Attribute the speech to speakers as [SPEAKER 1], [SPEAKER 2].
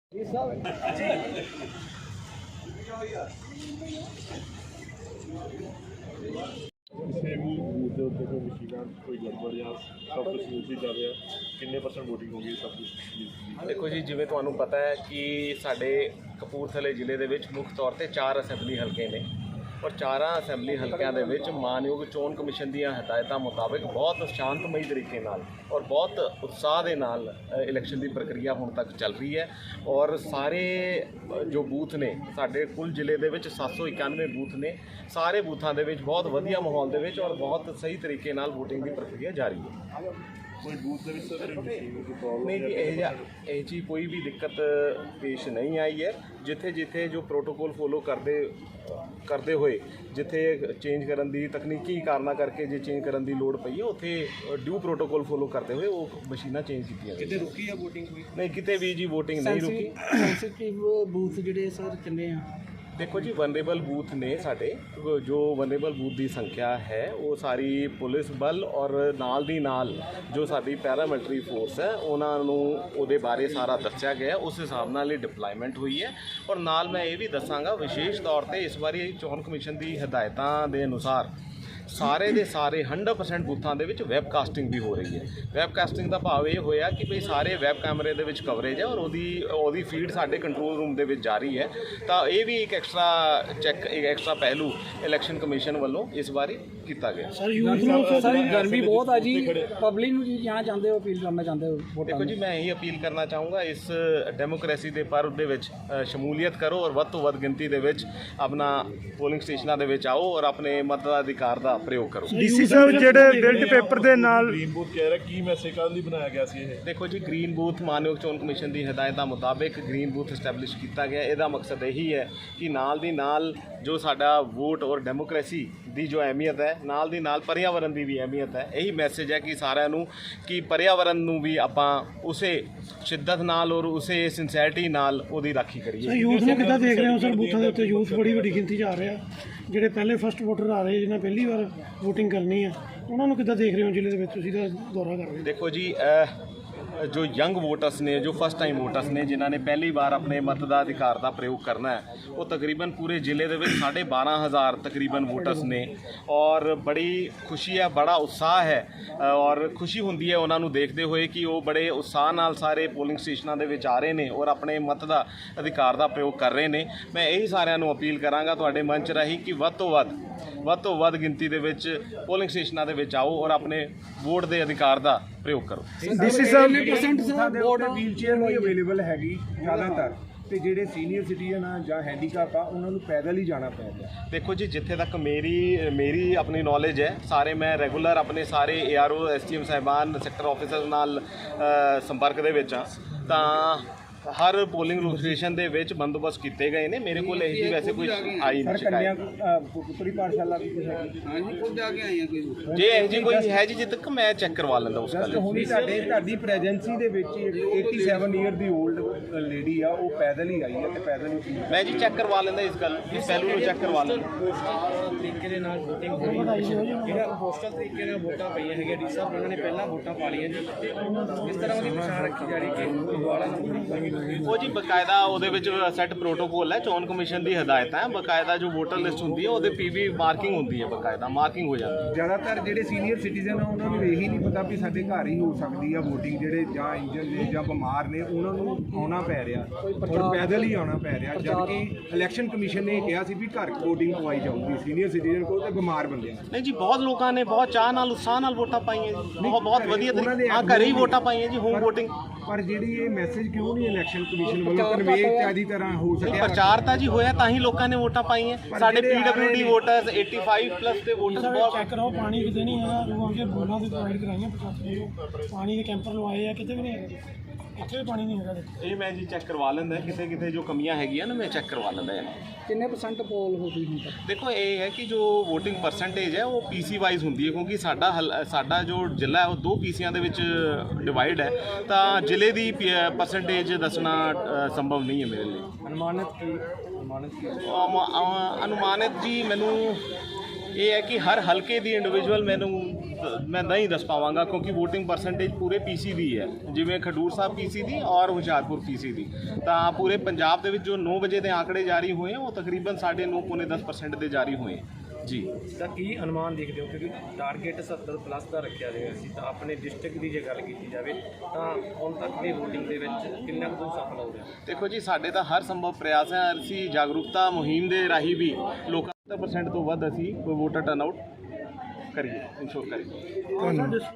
[SPEAKER 1] ਕਿਸੇ ਵੀ ਬੂਥ ਦੇ ਉੱਤੇ ਕੋਈ ਮਸ਼ੀਨਾਂ ਕੋਈ ਗੜਬੜ ਜਾਂ ਸਭ ਕੁਝ ਸਮੂਥਲੀ ਚੱਲ ਰਿਹਾ, ਕਿੰਨੇ % ਵੋਟਿੰਗ ਹੋ ਗਈ ਸਭ ਕੁਝ?
[SPEAKER 2] ਦੇਖੋ ਜੀ, ਜਿਵੇਂ ਤੁਹਾਨੂੰ ਪਤਾ ਹੈ ਕਿ ਸਾਡੇ ਕਪੂਰਥਲੇ ਜ਼ਿਲ੍ਹੇ ਦੇ ਵਿੱਚ ਮੁੱਖ ਤੌਰ ਤੇ 4 ਅਸੈਂਬਲੀ ਹਲਕੇ ਨੇ ਔਰ 4 ਅਸੈਂਬਲੀ ਹਲਕਿਆਂ ਦੇ ਵਿੱਚ ਮਾਨਯੋਗ ਚੋਣ ਕਮਿਸ਼ਨ ਦੀਆਂ ਹਦਾਇਤਾਂ ਮੁਤਾਬਕ ਬਹੁਤ ਸ਼ਾਂਤਮਈ ਤਰੀਕੇ ਨਾਲ ਔਰ ਬਹੁਤ ਉਤਸ਼ਾਹ ਦੇ ਨਾਲ ਇਲੈਕਸ਼ਨ ਦੀ ਪ੍ਰਕਿਰਿਆ ਹੁਣ ਤੱਕ ਚੱਲ ਰਹੀ ਹੈ। ਔਰ ਸਾਰੇ ਜੋ ਬੂਥ ਨੇ ਸਾਡੇ ਕੁੱਲ ਜ਼ਿਲ੍ਹੇ ਦੇ ਵਿੱਚ 791 ਬੂਥ ਨੇ, ਸਾਰੇ ਬੂਥਾਂ ਦੇ ਵਿੱਚ ਬਹੁਤ ਵਧੀਆ ਮਾਹੌਲ ਦੇ ਵਿੱਚ ਔਰ ਬਹੁਤ ਸਹੀ ਤਰੀਕੇ ਨਾਲ VOTING ਦੀ ਪ੍ਰਕਿਰਿਆ ਜਾਰੀ ਹੈ।
[SPEAKER 1] ਕੋਈ ਬੂਥ ਦੇ ਵਿੱਚ ਸਰ ਮਸ਼ੀਨ ਦੀ ਪ੍ਰੋਬਲਮ
[SPEAKER 2] ਨਹੀਂ ਜੀ, ਇਹ ਜੀ ਕੋਈ ਵੀ ਦਿੱਕਤ ਪੇਸ਼ ਨਹੀਂ ਆਈ ਹੈ। ਜਿੱਥੇ ਜੋ ਪ੍ਰੋਟੋਕੋਲ ਫੋਲੋ ਕਰਦੇ ਹੋਏ ਜਿੱਥੇ ਚੇਂਜ ਕਰਨ ਦੀ ਤਕਨੀਕੀ ਕਾਰਨਾਂ ਕਰਕੇ ਜੇ ਚੇਂਜ ਕਰਨ ਦੀ ਲੋੜ ਪਈ ਹੈ ਉੱਥੇ ਡਿਊ ਪ੍ਰੋਟੋਕੋਲ ਫੋਲੋ ਕਰਦੇ ਹੋਏ ਉਹ ਮਸ਼ੀਨਾਂ ਚੇਂਜ ਕੀਤੀਆਂ।
[SPEAKER 3] ਕਿਤੇ ਰੁਕੀ ਆ VOTING ਕੋਈ?
[SPEAKER 2] ਨਹੀਂ, ਕਿਤੇ ਵੀ ਜੀ VOTING ਨਹੀਂ ਰੁਕੀ।
[SPEAKER 3] ਸੈਂਸਿਟਿਵ ਬੂਥ ਜਿਹੜੇ ਸਰ ਕਿੰਨੇ ਆ?
[SPEAKER 2] ਦੇਖੋ ਜੀ, ਵਨਰੇਬਲ ਬੂਥ ਨੇ ਸਾਡੇ, ਜੋ ਵਨਰੇਬਲ ਬੂਥ ਦੀ ਸੰਖਿਆ ਹੈ ਉਹ ਸਾਰੀ ਪੁਲਿਸ ਬਲ ਔਰ ਨਾਲ ਦੀ ਨਾਲ ਜੋ ਸਾਡੀ ਪੈਰਾਮਿਲਟਰੀ ਫੋਰਸ ਹੈ ਉਹਨਾਂ ਨੂੰ ਉਹਦੇ ਬਾਰੇ ਸਾਰਾ ਦੱਸਿਆ ਗਿਆ, ਉਸ ਹਿਸਾਬ ਨਾਲ ਹੀ ਡਿਪਲੋਇਮੈਂਟ ਹੋਈ ਹੈ। ਔਰ ਨਾਲ ਮੈਂ ਇਹ ਵੀ ਦੱਸਾਂਗਾ ਵਿਸ਼ੇਸ਼ ਤੌਰ ਤੇ ਇਸ ਵਾਰੀ ਚੋਣ ਕਮਿਸ਼ਨ ਦੀ ਹਦਾਇਤਾਂ ਦੇ ਅਨੁਸਾਰ ਸਾਰੇ ਦੇ ਸਾਰੇ 100% ਬੂਥਾਂ ਦੇ ਵਿੱਚ ਵੈਬਕਾਸਟਿੰਗ ਵੀ ਹੋ ਰਹੀ ਹੈ। ਵੈਬਕਾਸਟਿੰਗ ਦਾ ਭਾਵ ਇਹ ਹੋਇਆ ਕਿ ਭਈ ਸਾਰੇ ਵੈਬ ਕੈਮਰੇ ਦੇ ਵਿੱਚ ਕਵਰੇਜ ਹੈ ਔਰ ਉਹਦੀ ਫੀਡ ਸਾਡੇ ਕੰਟਰੋਲ ਰੂਮ ਦੇ ਵਿੱਚ ਜਾਰੀ ਹੈ। ਤਾਂ ਇਹ ਵੀ ਇੱਕ ਐਕਸਟਰਾ ਪਹਿਲੂ ਇਲੈਕਸ਼ਨ ਕਮਿਸ਼ਨ ਵੱਲੋਂ ਇਸ ਵਾਰੀ ਕੀਤਾ ਗਿਆ।
[SPEAKER 3] ਸਰ ਯੂਥ ਨੂੰ ਸਰ ਗਰਮੀ ਬਹੁਤ ਆ ਜੀ, ਪਬਲਿਕ ਨੂੰ ਜੀ ਜਾਣਾ ਚਾਹੁੰਦੇ ਹੋ, ਅਪੀਲ ਕਰਨਾ ਚਾਹੁੰਦੇ ਹੋ?
[SPEAKER 2] ਦੇਖੋ ਜੀ, ਮੈਂ ਇਹੀ ਅਪੀਲ ਕਰਨਾ ਚਾਹੂੰਗਾ, ਇਸ ਡੈਮੋਕ੍ਰੇਸੀ ਦੇ ਪਰਵ ਦੇ ਵਿੱਚ ਸ਼ਮੂਲੀਅਤ ਕਰੋ ਔਰ ਵੱਧ ਤੋਂ ਵੱਧ ਗਿਣਤੀ ਦੇ ਵਿੱਚ ਆਪਣਾ ਪੋਲਿੰਗ ਸਟੇਸ਼ਨਾਂ ਦੇ ਵਿੱਚ ਆਓ ਔਰ ਆਪਣੇ ਮਤਾਧਿਕਾਰ ਦਾ ਪ੍ਰਯੋਗ ਕਰੋ।
[SPEAKER 4] ਡੀਸੀ ਸਾਹਿਬ ਜਿਹੜੇ ਬਿਲਟ ਪੇਪਰ ਦੇ ਨਾਲ
[SPEAKER 1] ਗ੍ਰੀਨ ਬੂਥ ਕਹਿ ਰਿਹਾ, ਕੀ ਮੈਸੇਜ ਕਰਨ ਲਈ ਬਣਾਇਆ ਗਿਆ ਸੀ ਇਹ?
[SPEAKER 2] ਦੇਖੋ ਜੀ, ਗ੍ਰੀਨ ਬੂਥ ਮਾਨਯੋਗ ਚੋਣ ਕਮਿਸ਼ਨ ਦੀ ਹਦਾਇਤਾਂ ਮੁਤਾਬਕ ਗ੍ਰੀਨ ਬੂਥ ਐਸਟੈਬਲਿਸ਼ ਕੀਤਾ ਗਿਆ। ਇਹਦਾ ਮਕਸਦ ਇਹੀ ਹੈ ਕਿ ਨਾਲ ਦੀ ਨਾਲ ਜੋ ਸਾਡਾ ਵੋਟ ਔਰ ਡੈਮੋਕ੍ਰੇਸੀ ਦੀ ਜੋ ਅਹਿਮੀਅਤ ਹੈ, ਨਾਲ ਦੀ ਨਾਲ ਪਰਿਆਵਰਨ ਦੀ ਵੀ ਅਹਿਮੀਅਤ ਹੈ। ਇਹੀ ਮੈਸੇਜ ਹੈ ਕਿ ਸਾਰਿਆਂ ਨੂੰ ਕਿ ਪਰਿਆਵਰਨ ਨੂੰ ਵੀ ਆਪਾਂ ਉਸੇ ਸ਼ਿੱਦਤ ਨਾਲ ਔਰ ਉਸੇ ਸਿੰਸੈਰਿਟੀ ਨਾਲ ਉਹਦੀ ਰਾਖੀ ਕਰੀਏ।
[SPEAKER 4] ਯੂਥ ਨੂੰ ਕਿੱਦਾਂ ਦੇਖ ਰਹੇ ਹੋ ਸਰ? ਬੂਥਾਂ ਦੇ ਉੱਤੇ ਯੂਥ ਬੜੀ ਵੱਡੀ ਗਿਣਤੀ 'ਚ ਆ ਰਿਹਾ, ਜਿਹੜੇ ਪਹਿਲੇ ਫਸਟ ਵੋਟਰ ਆ ਰਹੇ ਜਿਹਨਾਂ ਪਹਿਲੀ ਵਾਰ VOTING ਕਰਨੀ ਹੈ, ਉਹਨਾਂ ਨੂੰ ਕਿੱਦਾਂ ਦੇਖ ਰਹੇ ਹੋ ਜ਼ਿਲ੍ਹੇ ਦੇ ਵਿੱਚ? ਤੁਸੀਂ ਤਾਂ ਦੌਰਾ ਕਰ ਰਹੇ ਹੋ।
[SPEAKER 2] ਦੇਖੋ ਜੀ, ਜੋ ਯੰਗ ਵੋਟਰਸ ਨੇ, ਜੋ ਫਸਟ ਟਾਈਮ ਵੋਟਰਸ ਨੇ, ਜਿਨ੍ਹਾਂ ਨੇ ਪਹਿਲੀ ਵਾਰ ਆਪਣੇ ਮਤ ਦਾ ਅਧਿਕਾਰ ਦਾ ਪ੍ਰਯੋਗ ਕਰਨਾ ਹੈ, ਉਹ ਤਕਰੀਬਨ ਪੂਰੇ ਜ਼ਿਲ੍ਹੇ ਦੇ ਵਿੱਚ 12,500 ਤਕਰੀਬਨ ਵੋਟਰਸ ਨੇ। ਔਰ ਬੜੀ ਖੁਸ਼ੀ ਹੈ, ਬੜਾ ਉਤਸ਼ਾਹ ਹੈ ਔਰ ਖੁਸ਼ੀ ਹੁੰਦੀ ਹੈ ਉਹਨਾਂ ਨੂੰ ਦੇਖਦੇ ਹੋਏ ਕਿ ਉਹ ਬੜੇ ਉਤਸ਼ਾਹ ਨਾਲ ਸਾਰੇ ਪੋਲਿੰਗ ਸਟੇਸ਼ਨਾਂ ਦੇ ਵਿੱਚ ਆ ਰਹੇ ਨੇ ਔਰ ਆਪਣੇ ਮਤ ਦਾ ਅਧਿਕਾਰ ਦਾ ਪ੍ਰਯੋਗ ਕਰ ਰਹੇ ਨੇ। ਮੈਂ ਇਹੀ ਸਾਰਿਆਂ ਨੂੰ ਅਪੀਲ ਕਰਾਂਗਾ ਤੁਹਾਡੇ ਮੰਚ ਰਾਹੀਂ ਕਿ ਵੱਧ ਤੋਂ ਵੱਧ ਗਿਣਤੀ ਦੇ ਵਿੱਚ ਪੋਲਿੰਗ ਸਟੇਸ਼ਨਾਂ ਦੇ ਵਿੱਚ ਆਓ ਔਰ ਆਪਣੇ ਵੋਟ ਦੇ ਅਧਿਕਾਰ ਦਾ ਪ੍ਰਯੋਗ ਕਰੋ।
[SPEAKER 4] ਡੀਸੀ ਸਾਹਿਬ
[SPEAKER 5] ਵੀਲ ਚੇਅਰ ਨਹੀਂ ਅਵੇਲੇਬਲ ਹੈਗੀ ਜ਼ਿਆਦਾਤਰ, ਤੇ ਜਿਹੜੇ ਸੀਨੀਅਰ ਸਿਟੀਜ਼ਨ ਆ ਜਾਂ ਹੈਂਡੀਕੈਪ ਆ ਉਹਨਾਂ ਨੂੰ ਪੈਦਲ ਹੀ ਜਾਣਾ ਪੈ ਰਿਹਾ।
[SPEAKER 2] ਦੇਖੋ ਜੀ, ਜਿੱਥੇ ਤੱਕ ਮੇਰੀ ਆਪਣੀ ਨੌਲੇਜ ਹੈ, ਸਾਰੇ ਮੈਂ ਰੈਗੂਲਰ ਆਪਣੇ ਸਾਰੇ ARO STM ਸਾਹਿਬਾਨ ਸੈਕਟਰ ਆਫਿਸਰ ਨਾਲ ਸੰਪਰਕ ਦੇ ਵਿੱਚ ਹਾਂ। ਤਾਂ ਹਰ ਪੋਲਿੰਗ ਲੋਕੇਸ਼ਨ ਦੇ ਵਿੱਚ ਬੰਦੋਬਸਤ ਕੀਤੇ ਗਏ ਨੇ। ਮੇਰੇ ਕੋਲ ਇਹ ਜੀ ਵੈਸੇ ਕੋਈ ਆਈ ਨਹੀਂ ਸ਼ਿਕਾਇਤ।
[SPEAKER 5] ਪੁੱਤਰੀ ਪਾਠਸ਼ਾਲਾ ਵੀ
[SPEAKER 3] ਹਾਂਜੀ, ਖੁਦ ਆ ਕੇ ਆਏ ਆ ਕੋਈ?
[SPEAKER 2] ਜੇ ਇਹ ਜੀ ਕੋਈ ਹੈ ਜੀ, ਜਿੱਦ ਤੱਕ ਮੈਂ ਚੈੱਕ ਕਰਵਾ ਲੈਂਦਾ ਉਸ ਗੱਲ।
[SPEAKER 5] ਹੁਣੀ ਤੁਹਾਡੀ ਪ੍ਰੈਜੈਂਸੀ ਦੇ ਵਿੱਚ 87 ਈਅਰ ਦੀ 올ਡ ਲੇਡੀ ਆ, ਉਹ ਪੈਦਲ ਹੀ ਆਈ ਹੈ ਤੇ ਪੈਦਲ ਹੀ
[SPEAKER 2] ਮੈਂ ਜੀ ਚੈੱਕ ਕਰਵਾ ਲੈਂਦਾ ਇਸ ਗੱਲ, ਇਸ ਪਹਿਲੂ ਨੂੰ ਚੈੱਕ ਕਰਵਾ ਲੈਂਦਾ।
[SPEAKER 3] ਤਰੀਕੇ ਦੇ ਨਾਲ VOTING ਹੋਈ, ਜਿਹੜਾ ਪੋਸਟਲ ਤਰੀਕੇ ਨਾਲ ਵੋਟਾਂ ਪਈਆਂ ਹੈਗੀਆਂ ਡੀ ਸਾਹਿਬ, ਉਹਨਾਂ ਨੇ ਪਹਿਲਾਂ ਵੋਟਾਂ ਪਾ ਲਈਆਂ ਜੀ, ਤੇ ਇਸ ਤਰ੍ਹਾਂ ਉਹਦੀ ਪਛਾਣ ਰੱਖੀ ਜਾ ਰਹੀ ਕਿ ਦੁਬਾਰਾ ਨਾ
[SPEAKER 2] ਉਹ ਜੀ ਬਕਾਇਦਾ ਉਹਦੇ ਵਿੱਚ ਸੈੱਟ ਪ੍ਰੋਟੋਕੋਲ ਹੈ, ਚੋਣ ਕਮਿਸ਼ਨ ਦੀ ਹਦਾਇਤਾਂ ਹੈ। ਬਕਾਇਦਾ ਜੋ ਵੋਟਰ ਲਿਸਟ ਹੁੰਦੀ ਹੈ ਉਹਦੇ PV ਮਾਰਕਿੰਗ ਹੁੰਦੀ ਹੈ, ਬਕਾਇਦਾ ਮਾਰਕਿੰਗ ਹੋ ਜਾਂਦੀ ਹੈ।
[SPEAKER 5] ਜ਼ਿਆਦਾਤਰ ਜਿਹੜੇ ਸੀਨੀਅਰ ਸਿਟੀਜ਼ਨ ਆ ਉਹਨਾਂ ਨੂੰ ਇਹੀ ਨਹੀਂ ਪਤਾ ਵੀ ਸਾਡੇ ਘਰ ਹੀ ਹੋ ਸਕਦੀ ਆ VOTING, ਜਿਹੜੇ ਜਾਂ ਇੰਜਨ ਨੇ ਜਾਂ ਬਿਮਾਰ ਨੇ ਉਹਨਾਂ ਨੂੰ ਆਉਣਾ ਪੈ ਰਿਹਾ ਔਰ ਪੈਦਲ ਹੀ ਆਉਣਾ ਪੈ ਰਿਹਾ, ਜਦਕਿ ਇਲੈਕਸ਼ਨ ਕਮਿਸ਼ਨ ਨੇ ਕਿਹਾ ਸੀ ਵੀ ਘਰ VOTING ਪਵਾਈ ਜਾਊਗੀ ਸੀਨੀਅਰ ਸਿਟੀਜ਼ਨ ਕੋਲ ਤੇ ਬਿਮਾਰ ਬੰਦਿਆਂ ਨੂੰ।
[SPEAKER 2] ਨਹੀਂ ਜੀ, ਬਹੁਤ ਲੋਕਾਂ ਨੇ ਬਹੁਤ ਚਾਹ ਨਾਲ ਉਤਸ਼ਾਹ ਨਾਲ ਵੋਟਾਂ ਪਾਈਆਂ ਜੀ, ਬਹੁਤ ਵਧੀਆ ਤਰੀਕੇ ਨਾਲ ਘਰੇ ਹੀ ਵੋਟਾਂ ਪਾਈਆਂ ਜੀ, ਹੋਮ VOTING।
[SPEAKER 5] ਪਰ ਜਿਹੜੀ ਇਹ ਮੈਸੇਜ ਕਿਉਂ ਨਹੀਂ ਇਲੈਕਸ਼ਨ ਕਮਿਸ਼ਨ ਵੱਲੋਂ ਕਨਵੇ ਚਾਦੀ ਤਰ੍ਹਾਂ ਹੋ ਸਕਿਆ?
[SPEAKER 2] ਪ੍ਰਚਾਰ ਤਾਂ ਜੀ ਹੋਇਆ, ਤਾਂ ਹੀ ਲੋਕਾਂ ਨੇ ਵੋਟਾਂ ਪਾਈਆਂ। ਸਾਡੇ PWD ਵੋਟਰਸ 85+ ਦੇ ਵੋਟਰਸ ਬਹੁਤ
[SPEAKER 4] ਚੈੱਕ ਕਰੋ, ਪਾਣੀ ਕਿਤੇ ਨਹੀਂ ਹੈਗਾ, ਰੂਹਾਂ ਦੇ ਬੋਲਾਂ ਦੀ ਪ੍ਰੋਵਾਈਡ ਕਰਾਈਆਂ 85 ਪਾਣੀ ਦੇ ਕੈਂਪਰ ਲਵਾਏ ਆ, ਕਿਤੇ ਵੀ ਨਹੀਂ ਹੈਗਾ, ਇੱਥੇ ਵੀ ਪਾਣੀ ਨਹੀਂ ਹੈਗਾ।
[SPEAKER 2] ਇਹ ਮੈਂ ਜੀ ਚੈੱਕ ਕਰਵਾ ਲੈਂਦਾ, ਕਿਤੇ ਜੋ ਕਮੀਆਂ ਹੈਗੀਆਂ ਨਾ ਮੈਂ ਚੈੱਕ ਕਰਵਾ ਲੈਂਦਾ।
[SPEAKER 3] ਕਿੰਨੇ % ਪੋਲ ਹੋ ਗਈ ਹੁਣ ਤੱਕ?
[SPEAKER 2] ਦੇਖੋ, ਇਹ ਹੈ ਕਿ ਜੋ VOTING ਪਰਸੈਂਟੇਜ ਹੈ ਉਹ PC ਵਾਈਜ਼ ਹੁੰਦੀ ਹੈ, ਕਿਉਂਕਿ ਸਾਡਾ ਜੋ ਜ਼ਿਲ੍ਹਾ ਹੈ ਉਹ 2 PCਆਂ ਦੇ ਵਿੱਚ ਡਿਵਾਈਡ ਹੈ, ਤਾਂ ਜ਼ਿਲ੍ਹੇ ਦੀ ਪਰਸੈਂਟੇਜ ਦੱਸਣਾ ਸੰਭਵ ਨਹੀਂ ਹੈ ਮੇਰੇ ਲਈ। ਅਨੁਮਾਨਿਤ ਜੀ ਮੈਨੂੰ ਇਹ ਹੈ ਕਿ ਹਰ ਹਲਕੇ ਦੀ ਇੰਡੀਵਿਜੂਅਲ ਮੈਨੂੰ ਮੈਂ ਨਹੀਂ ਦੱਸ ਪਾਵਾਂਗਾ ਕਿਉਂਕਿ VOTING ਪਰਸੈਂਟੇਜ ਪੂਰੇ PC ਦੀ ਹੈ, ਜਿਵੇਂ ਖਡੂਰ ਸਾਹਿਬ PC ਦੀ ਔਰ ਹੁਸ਼ਿਆਰਪੁਰ PC ਦੀ। ਤਾਂ ਪੂਰੇ ਪੰਜਾਬ ਦੇ ਵਿੱਚ ਜੋ 9 ਵਜੇ ਦੇ ਆંકੜੇ ਜਾਰੀ ਹੋਏ ਉਹ ਤਕਰੀਬਨ 9.5 ਪੌਣੇ 10% ਦੇ ਜਾਰੀ ਹੋਏ ਜੀ।
[SPEAKER 3] ਤਾਂ ਕੀ ਅਨੁਮਾਨ ਦੇਖਦੇ ਹੋ, ਕਿਉਂਕਿ ਟਾਰਗੇਟ 70+ ਦਾ ਰੱਖਿਆ ਗਿਆ ਸੀ, ਤਾਂ ਆਪਣੇ ਡਿਸਟ੍ਰਿਕਟ ਦੀ ਜੇ ਗੱਲ ਕੀਤੀ ਜਾਵੇ ਤਾਂ ਹੁਣ ਤੱਕ ਦੀ VOTING ਦੇ ਵਿੱਚ ਕਿੰਨਾ ਕੁ ਸਫਲ ਹੋ ਰਿਹਾ?
[SPEAKER 2] ਦੇਖੋ ਜੀ, ਸਾਡੇ ਤਾਂ ਹਰ ਸੰਭਵ ਪ੍ਰਯਾਸ ਹੈ, ਅਸੀਂ ਜਾਗਰੂਕਤਾ ਮੁਹਿੰਮ ਦੇ ਰਾਹੀਂ ਵੀ ਲੋਕਾਂ 70% ਤੋਂ ਵੱਧ ਅਸੀਂ ਕੋਈ ਵੋਟਰ ਟਰਨਆਊਟ ਕਰੀਏ, ਇਨਸ਼ੋਰ ਕਰੀਏ।